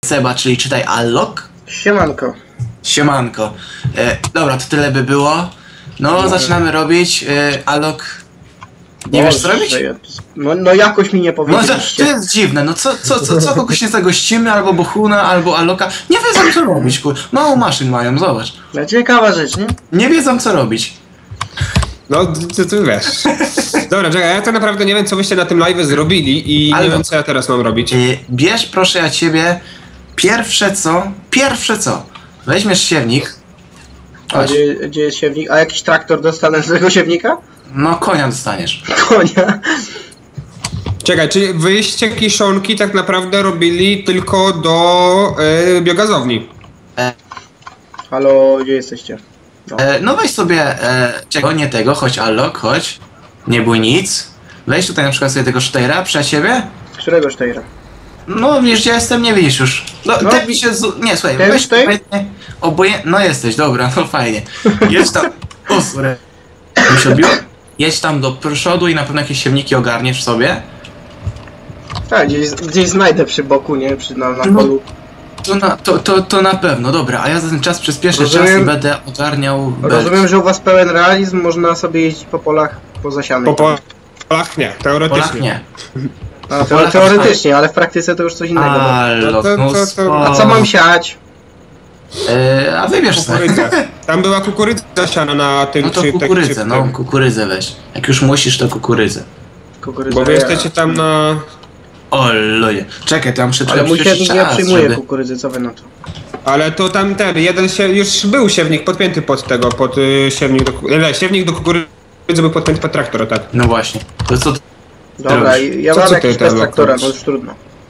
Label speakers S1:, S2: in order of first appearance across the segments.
S1: Seba, czyli czytaj Allok.
S2: Siemanko.
S1: Siemanko. Dobra, to tyle by było. No, zaczynamy robić. Allok. Nie wiesz co robić?
S2: No jakoś mi nie powiedzieliście.
S1: No to jest dziwne, no co kogoś nie zagościmy, albo Bohuna, albo Alloka. Nie wiedzą co robić, kur. Mało maszyn mają, zobacz.
S2: No ciekawa rzecz, nie?
S1: Nie wiedzą co robić.
S3: No, ty wiesz. Dobra, czekaj, ja to naprawdę nie wiem, co byście na tym live zrobili i nie wiem, co ja teraz mam robić.
S1: Bierz proszę ja ciebie pierwsze co, weźmiesz siewnik.
S2: A gdzie jest siewnik? A jakiś traktor dostanę z tego siewnika?
S1: No konia dostaniesz.
S2: Konia.
S3: Czekaj, czyli wyście kiszonki tak naprawdę robili tylko do biogazowni?
S2: Halo, gdzie jesteście?
S1: No, no weź sobie czego, nie tego, chodź Allok, chodź. Nie bój nic. Weź tutaj na przykład sobie tego Steyra przed siebie.
S2: Którego Steyra?
S1: No wiesz, gdzie jestem, nie widzisz już. No, tak mi się nie, słuchaj,
S2: ten
S1: weź no jesteś, dobra, no fajnie. Jedź tam, o sorry. Mi się odbiło. Jedź tam do przodu i na pewno jakieś siewniki ogarniesz sobie.
S2: Tak, gdzieś znajdę przy boku, nie? Na polu.
S1: To na pewno, dobra, a ja za ten czas przyspieszę czas i będę ogarniał
S2: Rozumiem, że u was pełen realizm, można sobie jeździć po polach pozasianych.
S3: Po polach nie, teoretycznie.
S1: Polach nie.
S2: A, teoretycznie, ale w praktyce to już coś innego. A co mam siać?
S1: A wybierz sobie.
S3: Tam była kukurydza siana na tym.
S1: No to kukurydzę, no kukurydzę weź. Jak już musisz, to kukurydzę.
S3: Bo wy jesteście tam na...
S1: O ludzie. Czekaj, tam
S2: ale mój siewnik nie przyjmuje kukurydzy, co wy na to?
S3: Ale to tam jeden już był siewnik podpięty pod tego, pod siewnik do kukurydzy był podpięty pod traktora, tak.
S1: No właśnie. To co
S2: dobra, ja mam jakiś bez traktora, to już trudno.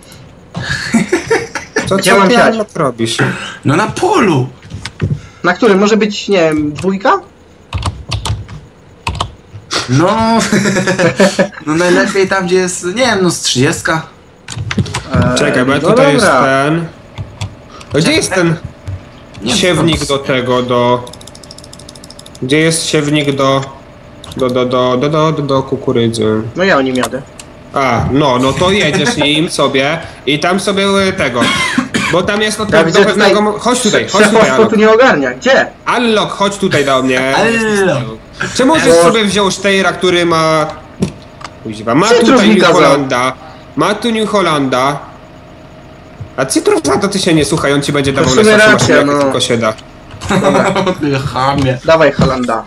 S3: Gdzie mam siać? Robisz?
S1: No na polu!
S2: Na którym? Może być, nie wiem, 2?
S1: No, no najlepiej tam, gdzie jest, nie wiem, no z 30.
S3: Czekaj, bo tutaj jest ten... Gdzie jest ten siewnik do tego, Gdzie jest siewnik do kukurydzy?
S2: No ja o nim jadę.
S3: A, no to jedziesz nim sobie i tam sobie tego... Bo tam jest od
S2: do
S3: pewnego... Chodź tutaj,
S2: Allok. Tu nie ogarnia, gdzie?
S3: Allok, chodź tutaj do mnie.
S1: Allok.
S3: Czy możesz sobie wziąć Steyra, który ma... Kuźwa, ma tutaj New Hollanda. Ma tu New Hollanda. A Cytrusa to ty się nie słuchaj, on ci będzie dawał najsłabszą maszynę, jak tylko się da.
S1: Chamie.
S2: Dawaj Hollanda.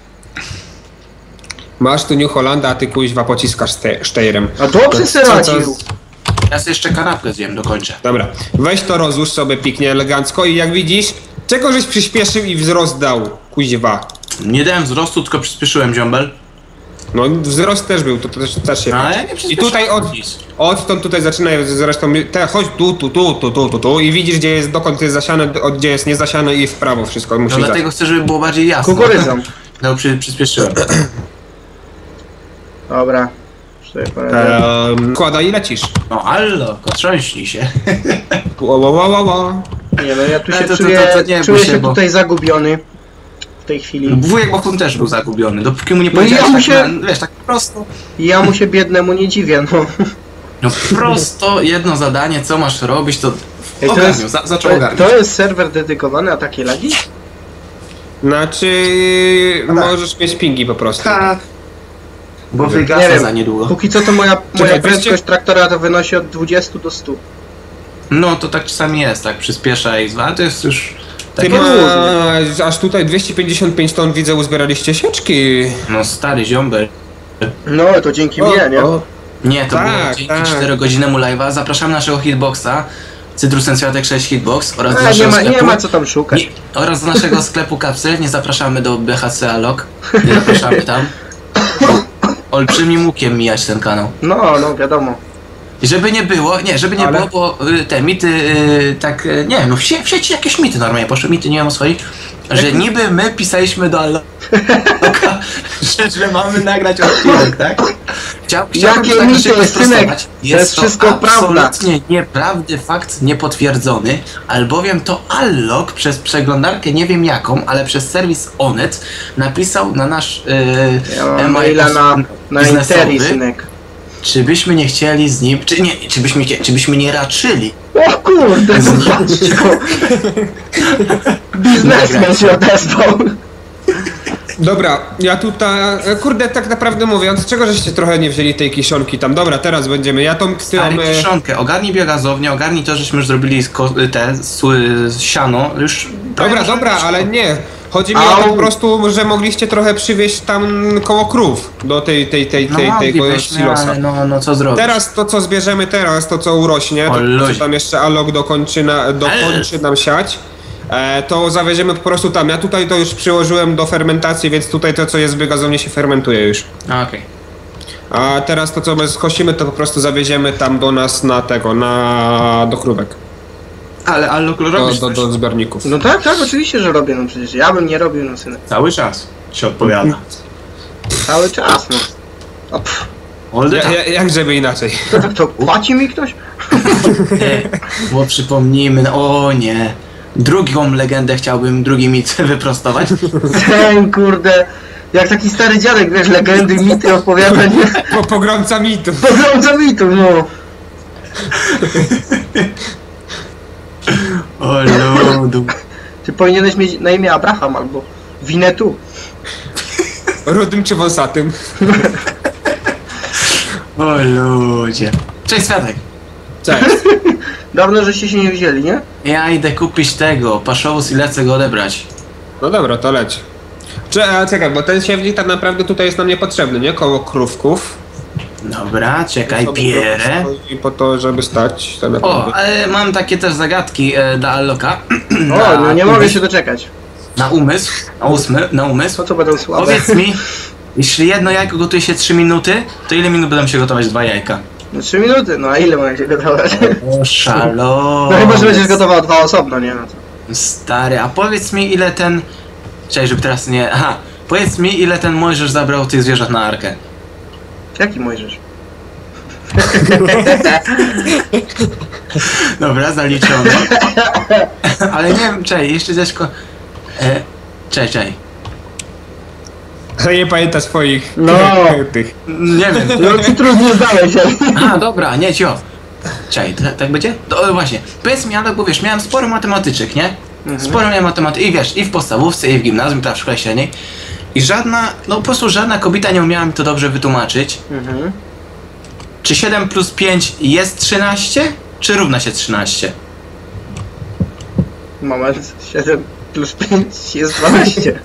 S3: Masz tu New Hollanda, a ty kuźwa pociskasz Steyrem.
S2: A dobrze se radził.
S1: Ja sobie jeszcze kanapkę zjem, dokończę.
S3: Dobra, weź to rozłóż sobie pięknie, elegancko i jak widzisz, czego żeś przyspieszył i wzrost dał, kuźwa.
S1: Nie dałem wzrostu, tylko przyspieszyłem, ziombel.
S3: No wzrost też był, to też się...
S1: No, ale ja nie
S3: i tutaj odtąd tutaj zaczyna zresztą, chodź tu i widzisz gdzie jest, dokąd jest zasiane, gdzie jest niezasiane i w prawo wszystko musi.
S1: No dlatego chcę, żeby było bardziej jasno.
S2: Kukurydzą.
S1: No przyspieszyłem.
S2: Dobra.
S3: Kłada i lecisz.
S1: No Allok, otrząśnij się.
S2: Nie no, ja tu się czuję się tutaj zagubiony. W tej chwili.
S1: Wujek Bohun też był zagubiony, dopóki mu nie powiedziałeś wiesz, tak prosto.
S2: Ja mu się biednemu nie dziwię, no.
S1: No prosto, jedno zadanie, co masz robić, to zaczął ogarniać.
S2: To jest serwer dedykowany na takie lagi?
S3: Znaczy... możesz mieć pingi po prostu.
S1: Bo wygasa za niedługo.
S2: Póki co to moja prędkość traktora to wynosi od 20 do 100.
S1: No to tak czasami jest, tak przyspiesza i to jest już...
S3: Ty aż tutaj 255 ton widzę uzbieraliście sieczki.
S1: No stary ziombel.
S2: No to dzięki mnie, nie?
S1: Nie, to było dzięki 4-godzinemu live'a. Zapraszamy naszego hitboxa. Cytrusem Światek 6 hitbox oraz do naszego sklepu.
S2: Nie ma co tam szukać.
S1: Oraz do naszego sklepu Kapsel. Nie zapraszamy do BHC Allok. Nie zapraszamy tam. Olbrzymim łukiem mijać ten kanał.
S2: No wiadomo.
S1: I żeby nie było, było, bo te mity, tak, nie wiem, no w sieci jakieś mity normalnie poszły, mity nie wiem o swoich, że niby my pisaliśmy do Alloka, że mamy nagrać odcinek, tak?
S2: Jakie
S1: tak,
S2: mity, synek?
S1: Jest
S2: to wszystko prawda.
S1: Absolutnie nieprawdy, fakt niepotwierdzony, albowiem to Allok przez przeglądarkę, nie wiem jaką, ale przez serwis Onet napisał na nasz
S2: maila na Interi, synek.
S1: czy byśmy nie chcieli z nim, czy byśmy nie raczyli.
S2: O kurde, zobaczcie. Biznesmen się odezwał.
S3: Dobra, ja tutaj, kurde, tak naprawdę mówiąc, czego żeście trochę nie wzięli tej kiszonki tam? Dobra, teraz będziemy, ja tą...
S1: Stary, kiszonkę, ogarnij biogazownię, ogarnij to, żeśmy już zrobili siano, już...
S3: Dobra, ale nie. Chodzi mi o to po prostu, że mogliście trochę przywieźć tam koło krów do tego silosa.
S1: No co zrobić?
S3: Teraz to, co zbierzemy teraz, to co urośnie, to co tam jeszcze Alok dokończy nam siać, to zawieziemy po prostu tam. Ja tutaj to już przyłożyłem do fermentacji, więc tutaj to, co jest w biogazowni, się fermentuje już.
S1: Okej.
S3: A teraz to, co my skosimy, to po prostu zawieziemy tam do nas do krówek.
S1: Ale Allok robisz
S3: do zbiorników.
S2: No tak, oczywiście, że robię, no przecież ja bym nie robił, no synek.
S1: Cały czas się odpowiada.
S2: Cały czas, no.
S3: Jak żeby inaczej?
S2: To płaci mi ktoś?
S1: Bo przypomnijmy, o nie. Drugą legendę chciałbym, drugi mit wyprostować.
S2: Ten kurde, jak taki stary dziadek, wiesz, legendy, mity opowiada, nie?
S3: Pogromca mitów.
S2: Pogromca mitów, no.
S1: O ludu.
S2: Ty powinieneś mieć na imię Abraham albo Winetu.
S3: Rudym czy wąsatym?
S1: O ludzie. Cześć Światek.
S3: Cześć.
S2: Dawno, żeście się nie wzięli, nie?
S1: Ja idę kupić tego, paszowóz i lecę go odebrać.
S3: No dobra, to leć. Czekaj, bo ten siewnik tak naprawdę tutaj jest nam niepotrzebny, nie? Koło krówków.
S1: Dobra, czekaj, bierę.
S3: I po to, żeby stać.
S1: O, ale mam takie też zagadki dla Alloka.
S2: O, no nie mogę się doczekać.
S1: Na umysł, na umysł.
S2: Po co będą słabe?
S1: Powiedz mi, jeśli jedno jajko gotuje się 3 minuty, to ile minut będą się gotować 2 jajka?
S2: No 3 minuty, no a ile mogę się gotować?
S1: O, szalo.
S2: No chyba, że będziesz gotował 2 osobno, nie? No to.
S1: Stary, a powiedz mi ile ten... Czekaj, żeby teraz nie... Aha, powiedz mi ile ten Mojżesz zabrał tych zwierząt na arkę.
S2: Jaki Mojżesz?
S1: Dobra, zaliczone. Ale nie wiem, czekaj, jeszcze Zeszko... Czekaj.
S3: Ale nie pamięta swoich tych.
S1: Nie wiem.
S2: No ty trudno zdałeś się.
S1: A, dobra, nie, cio. Czekaj, tak będzie? To właśnie, powiedz mi, ale bo wiesz, miałem sporo matematyczek, nie? Sporo miałem matematyki, i wiesz, i w podstawówce, i w gimnazjum, i w szkole średniej. I żadna, no po prostu żadna kobieta nie umiała mi to dobrze wytłumaczyć. Czy 7 plus 5 jest 13? Czy równa się 13?
S2: Moment, 7 plus 5 jest 12.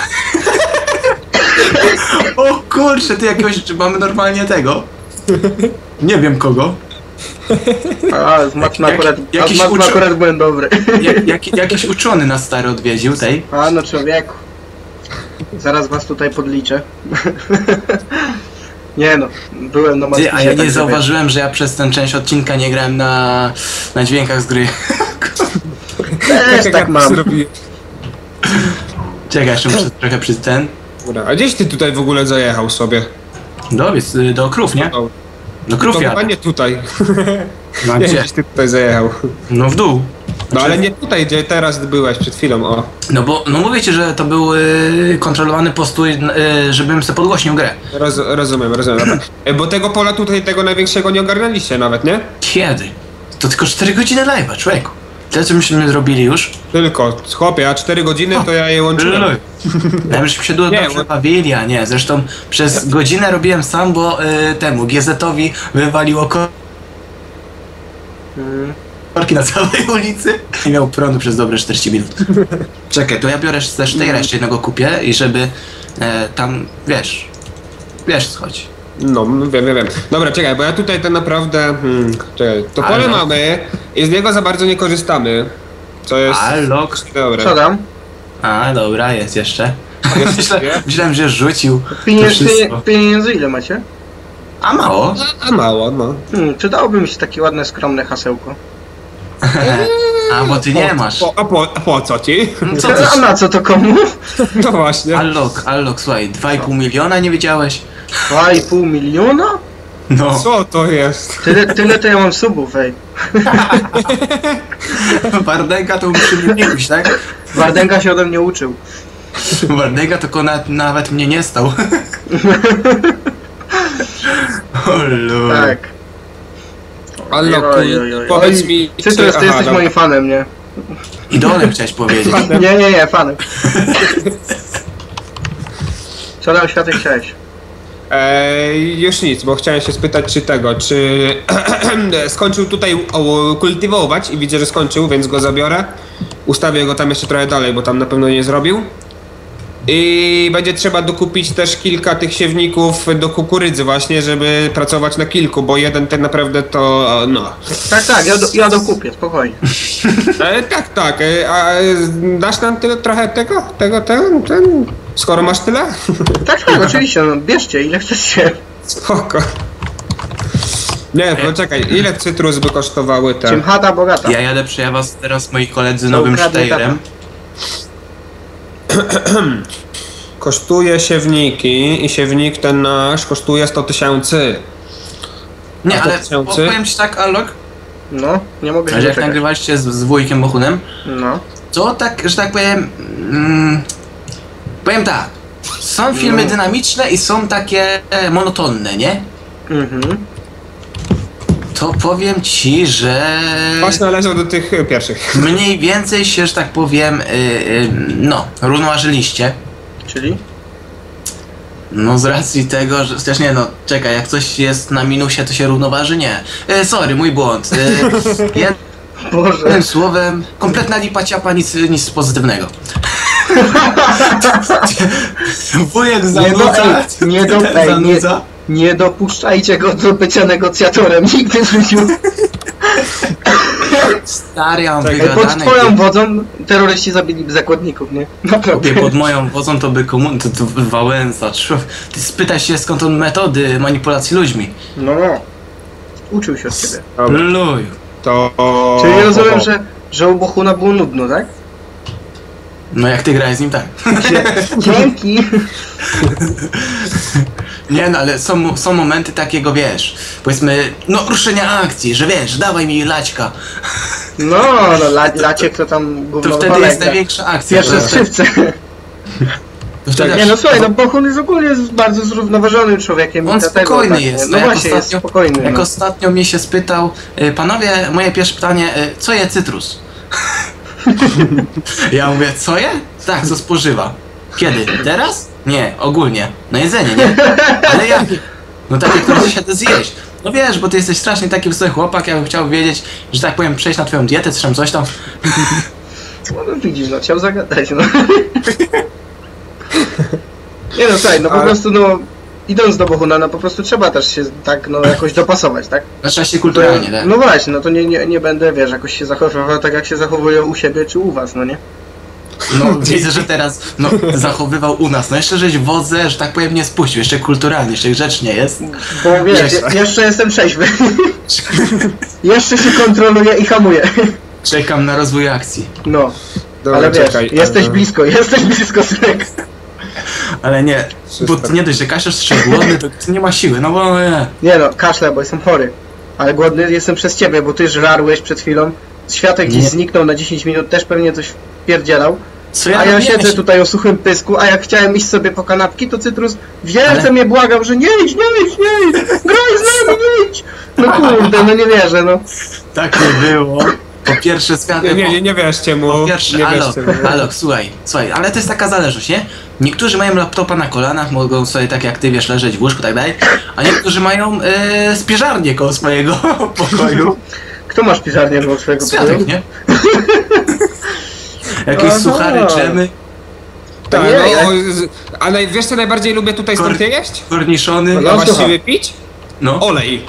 S1: O kurczę, ty jakiegoś, czy mamy normalnie tego? Nie wiem kogo.
S2: A, z matmy akurat byłem dobry.
S1: Jakiś uczony nas stary odwiedził tej.
S2: A, no człowieku. Zaraz was tutaj podliczę. Nie no, byłem na
S1: matmy. A ja nie zauważyłem, że ja przez tę część odcinka nie grałem na dźwiękach z gry.
S2: Też tak mam.
S1: Czekaj, jeszcze muszę trochę przy ten.
S3: A gdzieś ty tutaj w ogóle zajechał sobie?
S1: Do krów, nie? Do krów
S3: ja. Nie tutaj.
S1: No
S3: nie, gdzieś ty tutaj zajechał.
S1: No w dół.
S3: No ale nie tutaj, gdzie teraz byłeś przed chwilą, o.
S1: No bo, no mówię ci, że to był kontrolowany postój, żebym sobie podgłośnił grę.
S3: Rozumiem. Bo tego pola tutaj, tego największego nie ogarnęliście nawet, nie?
S1: Kiedy? To tylko 4 godziny live'a, człowieku. Tyle co myśmy zrobili już.
S3: Tylko, chłopie, a 4 godziny to ja je łączyłem.
S1: Ja żeśmy się dobrze bawili, a nie. Zresztą przez godzinę robiłem sam, bo temu GZ-owi wywaliło korki na całej ulicy i miał prądu przez dobre 40 minut. Czekaj, to ja biorę też tej reszty jednego kupię i żeby tam, wiesz co chodzi.
S3: No, wiem. Dobra, czekaj, bo ja tutaj tak naprawdę... czekaj, to pole mamy i z niego za bardzo nie korzystamy. Co jest...
S1: Allok.
S3: Dobra.
S2: Co tam?
S1: A, dobra, jest jeszcze. Myślałem, że rzucił.
S2: Pieniędzy ile macie?
S1: A mało?
S3: A mało, no.
S2: Przydałoby mi się takie ładne, skromne hasełko.
S1: A, bo ty nie masz.
S3: A po co ci?
S2: A na co to komu?
S3: No właśnie.
S1: Allok, słuchaj, 2,5 miliona nie wiedziałeś?
S2: 2,5 miliona?
S1: No.
S3: Co to jest?
S2: Tyle to ja mam subów, ej.
S1: Wardęga to musi mnie nie tak?
S2: Wardęga się ode mnie uczył.
S1: Wardęga to nawet mnie nie stał.
S2: Tak.
S3: Alloku, powiedz mi...
S2: Cytrus, ty jesteś moim fanem, nie?
S1: Idolem chciałeś powiedzieć.
S2: Nie, fanem. Co tam, Światek, chciałeś?
S3: Już nic, bo chciałem się spytać, czy skończył tutaj kultywować i widzę, że skończył, więc go zabiorę. Ustawię go tam jeszcze trochę dalej, bo tam na pewno nie zrobił. I będzie trzeba dokupić też kilka tych siewników do kukurydzy właśnie, żeby pracować na kilku, bo jeden tak naprawdę to, no...
S2: Tak, ja dokupię, spokojnie.
S3: Tak, a dasz nam trochę tego? Skoro masz tyle?
S2: Tak, oczywiście, no bierzcie, ile chcecie.
S3: Spoko. Nie, poczekaj, ile cytrus by kosztowały te?
S2: Czym chata bogata.
S1: Ja jadę przy was teraz, moi koledzy, nowym Steyerem.
S3: Kosztuje siewniki i siewnik ten nasz kosztuje 100 000.
S1: Nie, ale powiem ci tak, Allok.
S2: No, nie mogę się
S1: że jak nagrywaliście z wujkiem Bohunem,
S2: no.
S1: to tak, że tak powiem... powiem tak, są filmy dynamiczne i są takie monotonne, nie? To powiem ci, że...
S3: Właśnie należą do tych pierwszych.
S1: Mniej więcej się, że tak powiem, no, równoważyliście.
S2: Czyli?
S1: No z racji tego, że... Chociaż nie, no, czekaj, jak coś jest na minusie, to się równoważy? Nie. Sorry, mój błąd. Jednym słowem, kompletna lipa ciapa, nic pozytywnego. Wujek zanudza.
S2: Nie dopuszczajcie go do bycia negocjatorem nigdy w życiu.
S1: Stary, ja mam
S2: pod twoją wodzą terroryści zabili zakładników, nie?
S1: Naprawdę. Pod moją wodzą to by to Wałęsa. Ty spytaj się, skąd on metody manipulacji ludźmi.
S2: No. Uczył się od ciebie.
S1: Luj.
S2: Czyli rozumiem, że u Bohuna było nudno, tak?
S1: No jak ty grałeś z nim, tak.
S2: Dzięki.
S1: Nie no, ale są momenty takiego, wiesz, powiedzmy, no ruszenia akcji, że wiesz, dawaj mi laćka.
S2: No laciek to tam gówno.
S1: To wtedy jest największa akcja.
S2: Pierwsze skrzypce. Nie no słuchaj, no Bohun jest ogólnie bardzo zrównoważonym człowiekiem.
S1: On spokojny jest.
S2: No właśnie, jest spokojny.
S1: Jak ostatnio mnie się spytał, panowie, moje pierwsze pytanie, co je cytrus? Ja mówię, co je? Tak, co spożywa. Kiedy? Teraz? Nie, ogólnie. Na jedzenie, nie? Ale jak? No takie, które się da zjeść. No wiesz, bo ty jesteś strasznie taki wysoki chłopak, ja bym chciał wiedzieć, że tak powiem, przejść na twoją dietę, coś tam.
S2: No widzisz, no chciał zagadać, no. Nie no, słuchaj, no po prostu, no, idąc do Bohuna, no po prostu trzeba też się tak, no, jakoś dopasować, tak?
S1: Trzeba się kulturalnie, tak?
S2: No właśnie, no to nie będę, wiesz, jakoś się zachowywał tak, jak się zachowują u siebie czy u was, no nie?
S1: No, widzę, że teraz, no, zachowywał u nas, no jeszcze żeś wodze, że tak powiem, nie spuścił, jeszcze kulturalnie, jeszcze grzecznie jest.
S2: Bo wiesz, jeszcze jestem trzeźwy. Jeszcze się kontroluję i hamuję.
S1: Czekam na rozwój akcji.
S2: No,
S3: dobra,
S2: ale wiesz,
S3: czekaj,
S2: jesteś blisko, synek.
S1: Ale nie, bo nie dość, że kaszesz głodny, to nie ma siły, no bo nie.
S2: Nie no, kaszlę, bo jestem chory. Ale głodny jestem przez ciebie, bo ty żarłeś przed chwilą. Światek gdzieś zniknął na 10 minut, też pewnie coś pierdzielał. A ja siedzę tutaj o suchym pysku, a jak chciałem iść sobie po kanapki, to Cytrus wielce mnie błagał, że nie idź, graj z nami, nie idź. No kurde, no nie wierzę, no.
S1: Tak nie było. Po pierwsze Światek...
S3: Nie wierzcie mu.
S1: Po pierwsze, Alok, słuchaj, ale to jest taka zależność, nie? Niektórzy mają laptopa na kolanach, mogą sobie tak jak ty, wiesz, leżeć w łóżku, tak dalej, a niektórzy mają spiżarnię koło swojego pokoju.
S2: Kto ma spiżarnię koło swojego pokoju?
S1: Światek, nie? Jakieś suchary, dżemy.
S3: Tak, no, ale wiesz co najbardziej lubię tutaj stąd jeść?
S1: Korniszony.
S3: No, właściwie pić?
S1: No.
S3: Olej.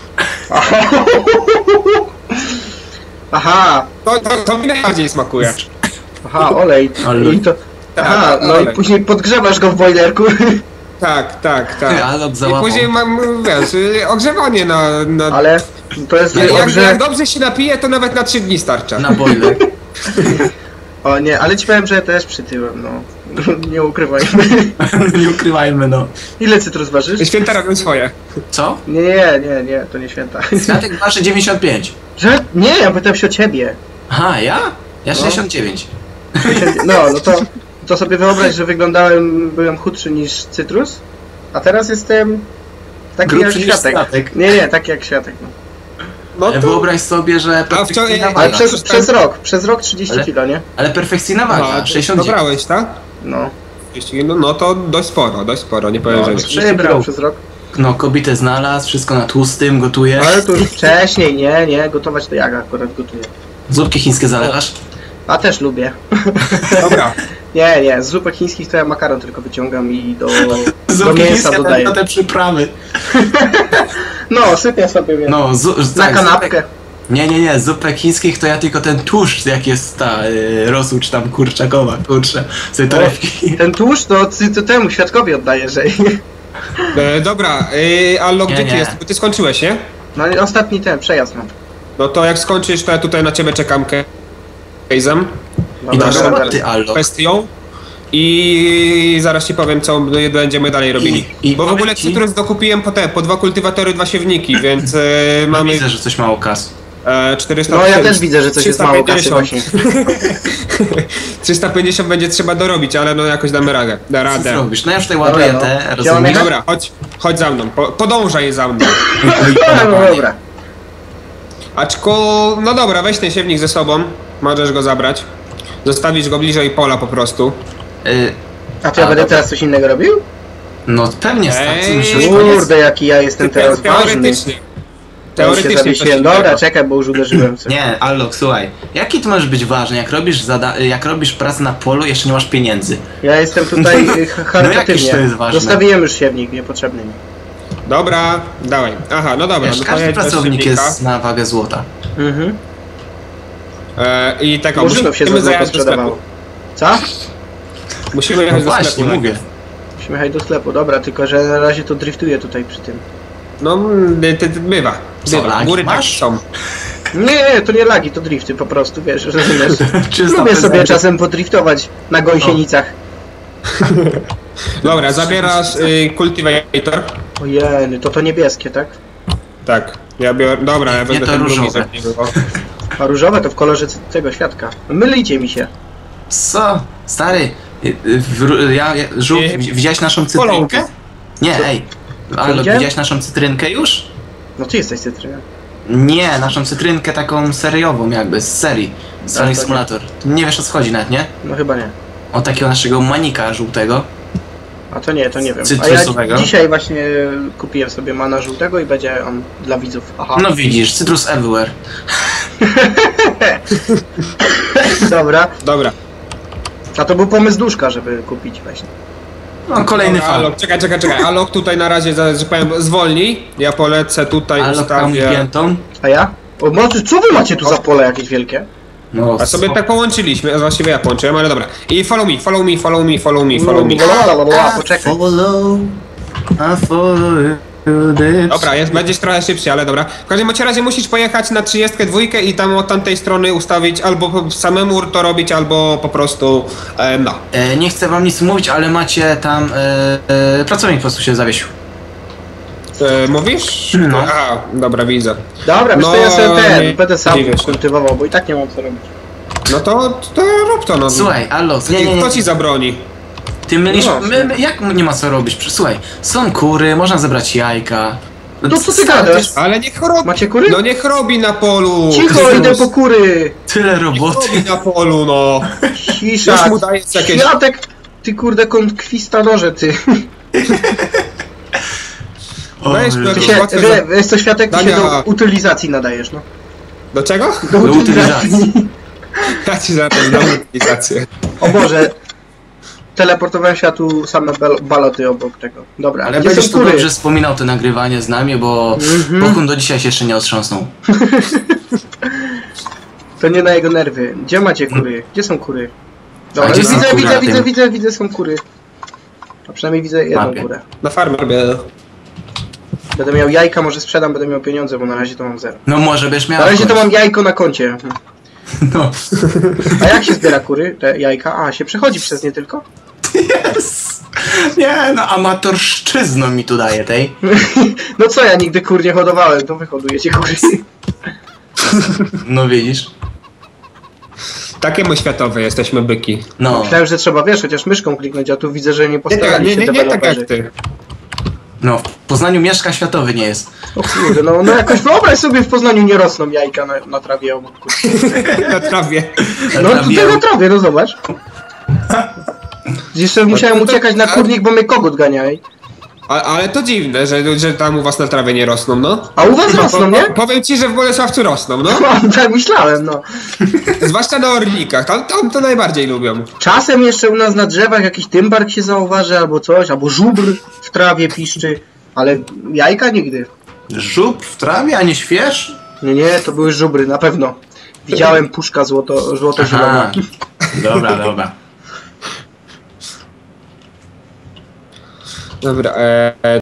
S2: Aha.
S3: To mi najbardziej smakuje.
S2: Aha, olej. I to... Aha, no olej. I później podgrzewasz go w bojlerku.
S3: Tak.
S1: I
S3: później mam, wiesz, ogrzewanie na...
S2: Ale to jest...
S3: Jak dobrze się napije, to nawet na 3 dni starcza.
S1: Na boiler.
S2: O nie, ale ci powiem, że ja też przytyłem, no. Nie ukrywajmy.
S1: Nie ukrywajmy, no.
S2: Ile Cytrus ważysz?
S3: Święta robią swoje.
S1: Co?
S2: Nie, to nie święta.
S1: Światek waży 95.
S2: Że? Nie, ja pytam się o ciebie.
S1: Aha, ja? Ja 69.
S2: No to sobie wyobraź, że byłem chudszy niż Cytrus, a teraz jestem Taki jak Światek. Nie, taki jak Światek.
S1: No to... Wyobraź sobie, że perfekcyjna waga.
S2: Ale przez rok 30 kg, nie?
S1: Ale perfekcyjna waga, 69.
S3: Dobrałeś, tak?
S2: No.
S3: No to dość sporo, nie powiem, że nie.
S2: Przybrał przez rok.
S1: No, kobietę znalazł, wszystko na tłustym, gotuje.
S2: Ale to już wcześniej, nie, gotować to jak akurat gotuję.
S1: Zupki chińskie zalewasz?
S2: A też lubię.
S3: Dobra.
S2: Nie, z zupek chińskich to ja makaron tylko wyciągam i do mięsa dodaję.
S1: Na te przyprawy.
S2: No, sypię sobie mięso.
S1: No,
S2: na kanapkę.
S1: Nie, z zupek chińskich to ja tylko ten tłuszcz, jak jest ta rosół czy tam kurczakowa, kurczę, sobie torebki.
S2: Ten tłuszcz to temu Świadkowi oddaję, że...
S3: Dobra, Allo, gdzie ty jest? Bo ty skończyłeś, nie?
S2: No ostatni przejazd mam.
S3: No to jak skończysz, to ja tutaj na ciebie czekam case'em.
S1: I naszą
S3: kwestią. I zaraz ci powiem, co będziemy dalej robili. Bo w ogóle cytrus dokupiłem po 2 kultywatory, 2 siewniki, więc mamy...
S1: Widzę, że coś mało kas.
S3: 400.
S2: No ja też widzę, że coś jest mało kasy właśnie.
S3: 350 będzie trzeba dorobić, ale no jakoś damy radę.
S1: Co zrobisz? No ja już tutaj ładuję rozumiem.
S3: Dobra, chodź za mną, podążaj za mną.
S2: No dobra.
S3: No dobra, weź ten siewnik ze sobą, możesz go zabrać. Zostawisz go bliżej pola po prostu.
S2: A to ja będę teraz coś innego robił?
S1: No pewnie
S2: kurde, jaki ja jestem teraz ważny. Teoretycznie. Dobra, czekaj, bo już uderzyłem coś.
S1: Nie, Allok, słuchaj. Jaki ty możesz być ważny, jak robisz pracę na polu, jeszcze nie masz pieniędzy?
S2: Ja jestem tutaj charytatywnie.
S1: No to jest ważne.
S2: Zostawiłem już siewnik niepotrzebny mi.
S3: Dobra, dawaj. Aha, no dobra.
S1: Wiesz, każdy pracownik jest na wagę złota.
S3: I tak,
S2: musimy się złota sprzedawało. Co?
S3: Musimy jechać do sklepu.
S1: Mówię.
S2: Musimy jechać do sklepu, dobra, tylko że na razie to driftuję tutaj przy tym.
S3: No, bywa. Góry masz? Są.
S2: Nie, to nie lagi, to drifty po prostu, wiesz, rozumiesz. Lubię sobie czasem podriftować na gąsienicach.
S3: Dobra, zabierasz kultivator.
S2: Ojej, to niebieskie, tak?
S3: Tak, ja biorę, dobra, ja będę ten
S1: różowe.
S2: A różowe to w kolorze tego Świadka. Mylicie mi się.
S1: Co? Stary, widziałeś naszą cytrynkę? Nie, ej. Ale widziałeś naszą cytrynkę już?
S2: No ty jesteś cytryną.
S1: Nie, naszą cytrynkę taką seriową jakby, z serii. Sonic Simulator. Nie wiesz o co chodzi nawet, nie?
S2: No chyba nie.
S1: O takiego naszego manika żółtego.
S2: A to nie wiem.
S1: Cytrusowego.
S2: A ja dzisiaj właśnie kupiłem sobie mana żółtego i będzie on dla widzów. Aha.
S1: No widzisz, cytrus everywhere.
S2: Dobra. A to był pomysł Duszka, żeby kupić właśnie.
S1: No kolejny fan.
S3: Allok, czekaj. Allok tutaj na razie, że powiem, zwolnij. Ja polecę tutaj, ustawię...
S2: A ja? Co wy macie tu za pole jakieś wielkie?
S3: No, a sobie tak połączyliśmy, właściwie ja połączyłem, ale dobra. I follow me.
S2: Poczekaj.
S3: Dobra, będziesz trochę szybciej, ale dobra. W każdym razie musisz pojechać na 32 i tam od tamtej strony ustawić, albo samemu to robić, albo po prostu, no.
S1: Nie chcę wam nic mówić, ale macie tam, pracownik po prostu się zawiesił.
S3: Mówisz?
S1: No.
S3: Aha, dobra, widzę.
S2: Dobra, to ja sobie będę sam kultywował, bo i tak nie mam co robić.
S3: No to rób to, no.
S1: Słuchaj, Allok,
S3: Kto ci zabroni?
S1: Ty mylisz, jak nie ma co robić? Słuchaj, są kury, można zebrać jajka.
S2: No co ty gadasz?
S3: Ale niech robi.
S2: Macie kury?
S3: No niech robi na polu.
S2: Cicho, idę po kury.
S1: Tyle roboty.
S3: Niech robi na polu, no.
S2: Cisza.
S3: Już mu dajesz jakieś...
S2: Światek, ty kurde konkwistadorze, ty. Wiesz co, Światek, ty się do utylizacji nadajesz, no.
S3: Do czego?
S2: Do utylizacji.
S3: Ja ci zaraz dam utylizację.
S2: O Boże. Teleportowałem się, a tu same baloty obok tego. Dobra,
S1: ale będziesz tu dobrze wspominał to nagrywanie z nami, bo Bokun do dzisiaj się jeszcze nie otrząsnął.
S2: To nie na jego nerwy. Gdzie macie kury? Gdzie są kury? Dobra, widzę, są kury. A przynajmniej widzę jedną kurę.
S3: Na farmie robię.
S2: Będę miał jajka, może sprzedam, będę miał pieniądze, bo na razie to mam 0.
S1: No może byś miał.
S2: Na razie to mam jajko na koncie.
S1: No.
S2: A jak się zbiera kury, te jajka? A, się przechodzi przez nie tylko?
S1: Yes. Nie, no amatorszczyzną mi tu daje tej.
S2: No co, ja nigdy kur nie hodowałem, to wy hodujecie kury.
S1: No widzisz.
S3: Takiemu światowe jesteśmy byki.
S2: No. Myślałem, że trzeba, wiesz, chociaż myszką kliknąć, a tu widzę, że nie postarali się deweloperzy.
S3: Nie tak jak ty.
S1: No, w Poznaniu mieszka światowy nie jest.
S2: O kurde, no jakoś wyobraź sobie, w Poznaniu nie rosną jajka na trawie obok.
S3: Na trawie.
S2: No tutaj na trawie, no zobacz. Jeszcze musiałem uciekać na kurnik, bo mnie kogut ganiaj.
S3: Ale to dziwne, że tam u was na trawie nie rosną, no.
S2: A u was rosną, nie?
S3: Powiem ci, że w Bolesławcu rosną, no.
S2: Tak myślałem, no.
S3: Zwłaszcza na Orlikach, tam to najbardziej lubią.
S2: Czasem jeszcze u nas na drzewach jakiś tymbark się zauważy, albo coś, albo żubr w trawie piszczy, ale jajka nigdy.
S1: Żubr w trawie, a nie śwież?
S2: Nie, to były żubry, na pewno. Widziałem puszka złoto-zielona.
S1: Dobra.
S3: Dobra,